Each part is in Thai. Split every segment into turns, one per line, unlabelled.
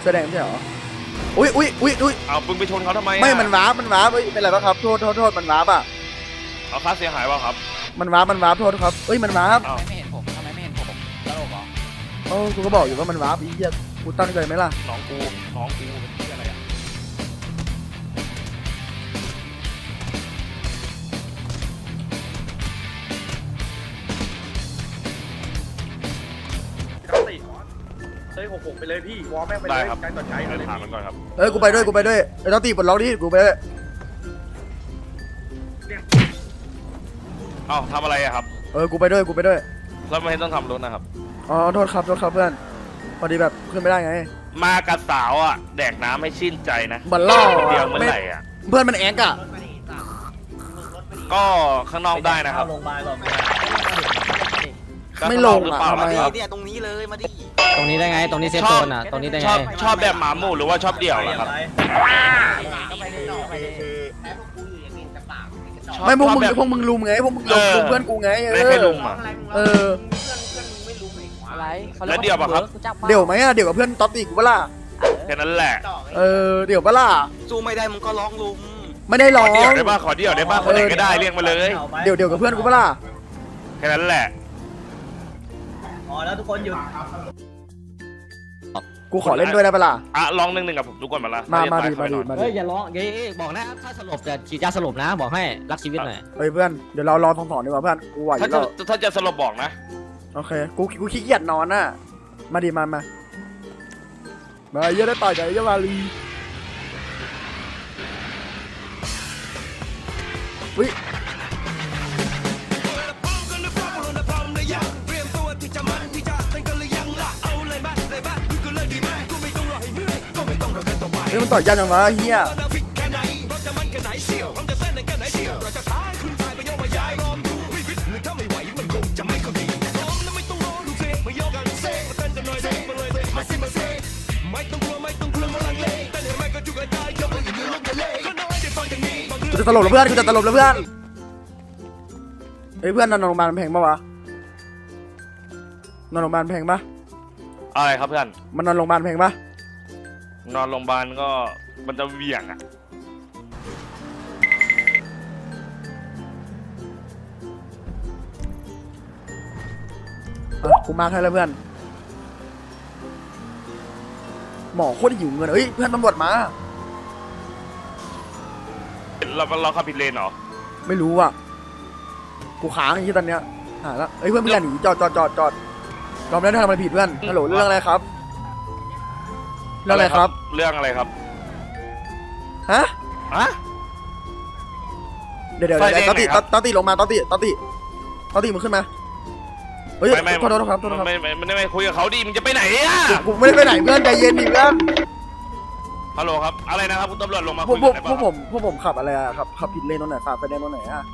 สื้อแดงไม่ใช่เหรออุ้ย
เอามึงไปชนเขาทำไม
ไม่มันวาร์ปเอ้ยเป็นไรบ้างครับโทษมันวาร์ปอ่ะ
เอาค่าเสียหายว่าครับ
มันวาร์ปโทษครับเอ้ยมันวาร์ป
ทำไมไม่เห็นผมตลกเหรอ
โอ้กูก็บอกอยู่ว่ามันวาร์ปอีเหี้ยกูตั้งใจไหมล่ะ
น้องกูเป็นที่อะไรอ่ะ
เฮ้ย6 ไปเลยพี่วอลแม่งไปเล
ได้
ย
ครับ
ใจต่อใจ
เดี๋ยว
เลย
ถามมันก่อนครับ
เอ้ยกูไปด้วยไอ้ต้องตีปลดล็อกดิกูไปด้วย
เอ้าทำอะไรอะครับ
กูไปด้วย
แล้วไม่ต้องทำรถนะครับ
อ๋อโทษครับเพื่อนพอดีแบบขึ้นไม่ได้ไง
มากับสาวอ่ะแดกน้ำให้ชื่นใจนะ
บันล่อ
เดียวเมื่อไหร่อ่ะ
เพื่อนมันแอกอะ
ก็ข้างนอกได้นะครับ
โรงพยาบาลก่อน
ไม่ลง
หรือ
อะ
เปล่า
ทำไม
ล่ะค
อะ
รับ
เนี่ยตรงนี้เลยมาดิ
ตรงนี้ได้ไงตรงนี้เซฟโซนอ่ะตรงนี้ได้ไง
ชอบแบบหมาหมู่หรือว่าชอบเดี่ยวล่ะครับ
ไม่พวกมึง
ชอบแบบ
พวกมึงลุมไงพวกมึงลุมเพื่อนกูไง
ไม่ให้ลุงอ่ะ
อะไร
แล้วเดี่ยวปะครับ
เดี๋ยวไหมอะเดี๋ยวกับเพื่อนต๊อปอีกเวล่ะ
แค่นั้นแหละ
เดี๋ยวเปล่า
สู้ไม่ได้มึงก็ร้องลุม
ไม่ได้ร้อ
เดี่ยว
ง
ได้ป่ะขอเดี่ยวได้ป่ะคนไหนก็ได้เรียกมาเลย
เดี๋ยวกับเพื่อนกูเปล่า
แค่นั้นแหละ
อ๋อแล้วทุกคนหยุด
กูขอเล่นด้วยได้เปล่า
อ่ะลอง1-1กับผมทุกคนมาละ
มาดิ
เฮ้ยอย่าร้องเฮ้ยบอกนะถ้าสลบจะฉีดยาสลบนะบอกให้รักชีวิตหน่อย
เฮ้ยเพื่อนเดี๋ยวเรารอถอนดีกว่าเพื่อนกูไหวอ
ถ้า
ยู่
จะ
แล้ว
ถ้าจะสลบบอกนะ
โอเคกูขี้เกียจนอนน่ะมาดิมาเยอะได้ต่อยกับไอ้เจ้ามาลีวิเฮ้ยมันต่อยยันยังวะเฮียกูจะตลบแล้วเพื่อนเฮ้ยเพื่อนนอนโรงพยาบาลแพงปะวะนอนโรงพยาบาลแพงปะ
อะไรครับเพื่อน
มันนอนโรงพยาบาลแพงปะ
นอนโรงพยาบาลก็มันจะเหวี่ยงอ่ะ
กูมาให้แล้วเพื่อนหมอโคตรหิวเงินเฮ้ยเพื่อนตำรวจมา
เราขับผิดเลนเหรอ
ไม่รู้อ่ะกูค้างที่ตอนเนี้ยหาแล้วเฮ้ยเพื่อนอย่าหนีจอดเราไม่ได้ทำอะไรผิดเพื่อนฮัลโหลเรื่องอะไรครับเรื่องอะไรครับ
เรื่องอะไรครับ
ฮะ
อะ
เดี๋ยว
ไฟแดง
ตอติ
ไหนครับ
ตอติลงมาตอติมึงขึ้นมาเฮ้ย
ไม่
ขอโทษครับ
ไม่คุยกับเขาดิมึงจะไปไหนอ่ะ
กูไม่ได้ไปไหนเพื่อนใจเย็นดิเพื่อน
ฮัลโหลครับอะไรนะครับคุณตำรวจลงมา
พว
คุ
ก
ย
พวก
กันได้
พวก
ป่ะ
ผมขับอะไรอะครับขับผิดเลนตรงไหนฝ่าไฟแดงตรงไหนอะ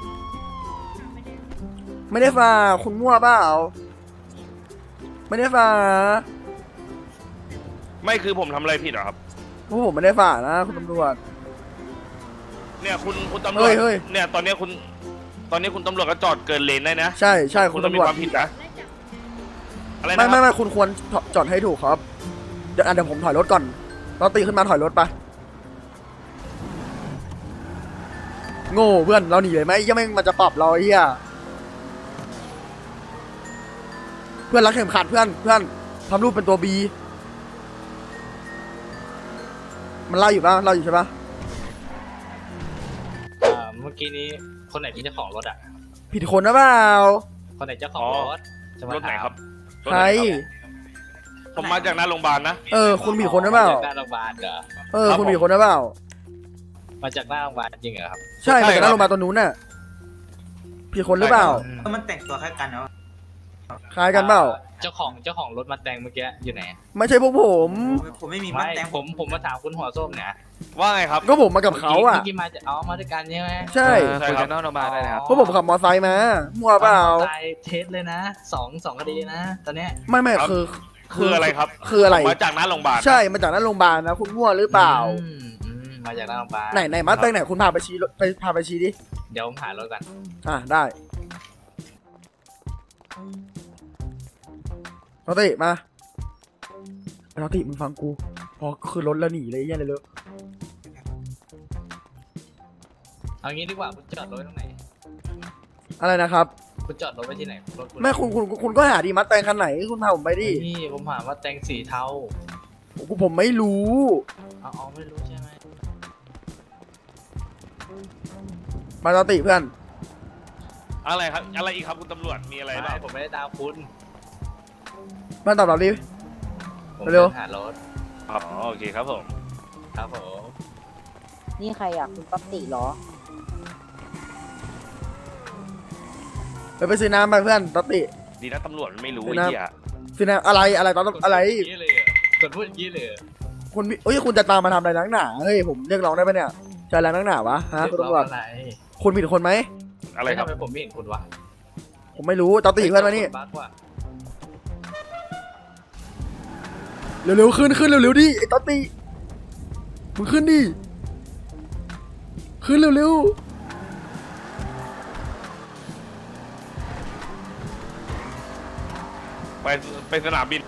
ไม่ได้ฝ่าคุณมั่วเปล่าไม่ได้ฝ่า
ไม่คือผมทำอะไรผิดเหรอครับ
พวกผมไม่ได้ฝ่านะคุณตำรวจ
เนี่ยคุณตำรวจ
เฮ้ย
เนี่ยตอนนี้คุณตำรวจก็จอดเกินเลนได้นะ
ใช่
คุ
คุณ ณ
ต้อง
ตำ
มี
รวจ
ความผิดนะอะไรนะ
ไม่คุณควรจอดให้ถูกครับเดี๋ยวผมถอยรถก่อนเราตีขึ้นมาถอยรถไปโง่เพื่อนเราหนีเลยไหมยังไม่มันจะปรับเราไอ้เหี้ยเพื่อนรักเข็มขัดเพื่อนทำรูปเป็นตัวบีมันไล่อยู่ปะไล่อยู่ใช่ปะ
เมื่อกี้นี้คนไหนเป็นเจ้าของรถอ่ะ
ผิดคนนะเปล่า
คนไหนเจ้าของรถจะมาร
ถไหน
ถาม
ครับ
ใคร
ผมมาจากหน้าโรงพยาบาลนะ
คุณผิดคนนะเปล่า
มาจากหน้าโรงพยาบาลเหรอ
คุณผิดคนนะเปล่า
มาจากหน้าโรงพยาบาลจริงเหรอครับ
ใช่มาจากหน้าโรงพยาบาลตัวนู้นน่ะผิดคนหรือเปล่า
มันแต่งตัวคล้ายกันเนาะ
คล้ายกันเปล่า
เจ้าของรถมาแต่งเมื่อกี้อยู่ไหน
ไม่ใช่พวกผม
ผมไม่มี
ไม่
แต่ง
ผมมาถามคุณหัวส้มเนี่ย
ว่าไงครับ
ก็ผมมากับเขาอ่ะ
เมื่อกี้มาจะเอามาด้วยกันใช่ไหม
ใช่
ใช่ครับ
เพราะผมขับมอไซค์มามั่วเปล่า
ตายเทสเลยนะสองคดีนะตอนเนี้ย
ไม่
ครับ คืออะไรครับ
คืออะไร
ผมมาจากหน้าโรงพยาบาล
ใช่มาจากหน้าโรงพยาบาลนะคุณมั่วหรือเปล่า
มาจากหน้าโรงพยาบาล
ไหนมาแต่งไหนคุณพาไปชี้พาไปชี้ดิ
เดี๋ยวผมหารถกัน
ได้เราติมาเราติมึงฟังกูพอคือรถแล้วหนีเลยยันเลย
เอางี้ดีกว่าคุณจอดรถไว้ตรงไหน
อะไรนะครับ
คุณจอดรถไว้ที่ไหนรถคุณ
แม่คุณก็หาดีมัดแตงคันไหนคุณพาผมไปดิ
นี่ผมถามว่าแต่งสีเทา
ผมไม่รู้
เอาไม่รู้ใช่ไหม
มาตอติเพื่อน
อะไรครับอะไรอีกครับคุณตำรวจมีอะไรบ้าง
ผมไม่ได้ตามคุณ
มาตอบรับดิ
ผม
เร็ว
หารถ
อ๋อโอเคครับผม
ครับผม
นี่ใครอ่ะ คุณป๊อปติเหรอ
ไปซื้อน้ำไปเพื่อนตอติ
ดีนะตำรวจมันไม่รู้
ไม่
ไอ้
น่า
เหี้ย
ซื้อน้ำอะไรตอนอะไร
กดพูดย่างนี้เลยเหรอกดพูดอย่างนี้เลยเหรอ
คุณเอ้ยคุณจะตามมาทำอะไรนักหนาเฮ้ยผมเรียกร้องได้ปะเนี่ยจะอะไรนักหนาวะฮะคุณตำรวจ
อะไร
คุณผิดคนไหม
อะไรครับ
ทำไมผมไม่เห็นคุณวะ
ผมไม่รู้ตอติเพื่อนมานี่
บั๊กว่ะ
เร็วๆขึ้นเร็วๆดิไอ้ตอติมึงขึ้นดิขึ้นเร็ว
ไปสนามบิน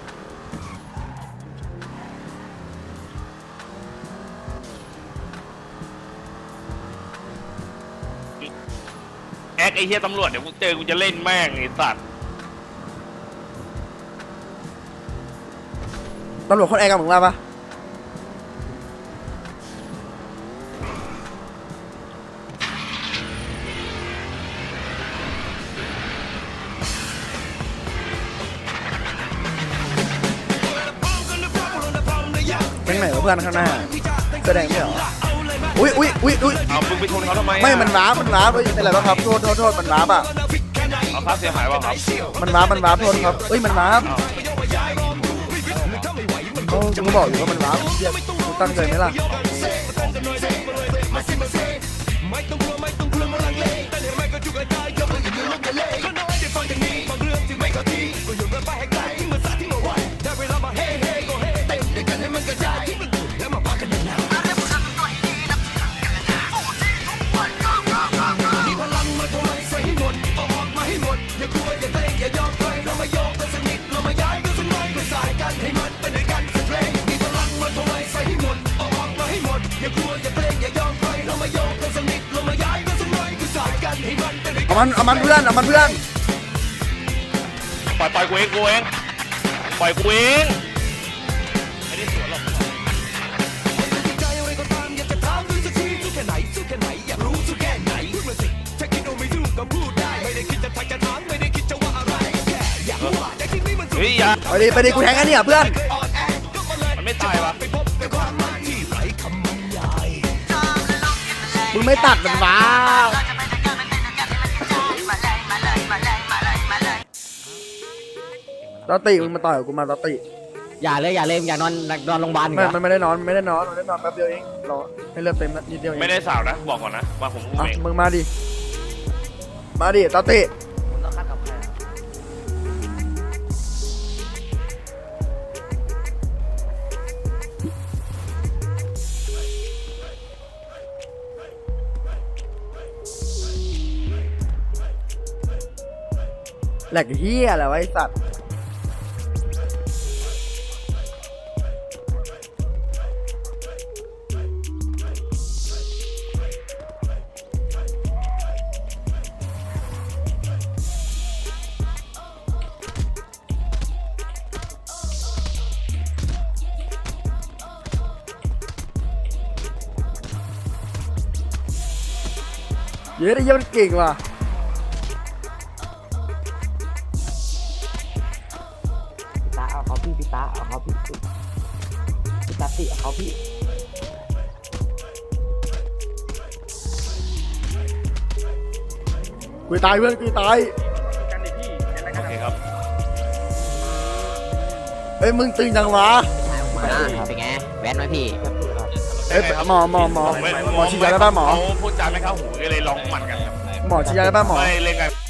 แอคไอ้เหี้ยตำรวจเดี๋ยวกูเจอกูจะเล่นแม่งไอ้สัตว์
ๆตำรวจคนแอร์กับมึงมาปะ แก๊งไหนวะเพื่อนข้างหน้าแสดงไม่เหรออุ้ย
เอามึงไปชนเขาทำไมอะ
ไม่มันว้าเฮ้ยเป็นไรบ้างครับโทษมันว้าอ่ะ
เอาค่าเสียหายเปล่าครับ
มันว้าโทษครับเอ้ยมันว้าเขาก็บอกอยู่ว่ามันว้าเรียกกูตั้งใจไหมล่ะเอามันเพื่อน
ปล่อยกูเองปล่อยกูเองไม่ได้สวนหรอก เฮ้ยอย่า
ไปดิกูแทงกันเนี่ยเพื่อน
มันไม่ตายวะ
มึงไม่ตัดมันว้าตอติมึงมาต่อยกับกูมาตอติ
อย่าเลยอย่านอนโรงพยาบาลอีก
ไม่
เหรอ
มันไม่ได้นอนแป๊บเดียวเองรอให้เลือดเต็มนิดเดียวเอง
ไม่ได้สาวนะบอกก่อนนะมาผมอุ้ม
อ่ะ
เอง
มึงมาดิตอติ
คุณต้องคัดกับใครอะ
แหลกเฮียอะไรวะไอ้สัตว์เยอะได้เยอะมันเก่งว่ะ
พี่ตาเอาเขาพี่ตาเอาเขาพี่ตาติเอาเขาพี่
กูตายเพื่อนกูตาย
กันดิพี่เป็นอะไร
โอ
กัน
เค
อะ
ครับ
เอ้ยมึงตึงจังวะ
เป็นไงแว้นไหมพี่
เอ้ยหมอฉีดยาได้ป่ะหมอ
เขาพูดจาไม่เข้าหูก็เลยลองหมัดกันครับ
หมอฉีดยาได้ป่ะหมอ
ไม่เล่นกัน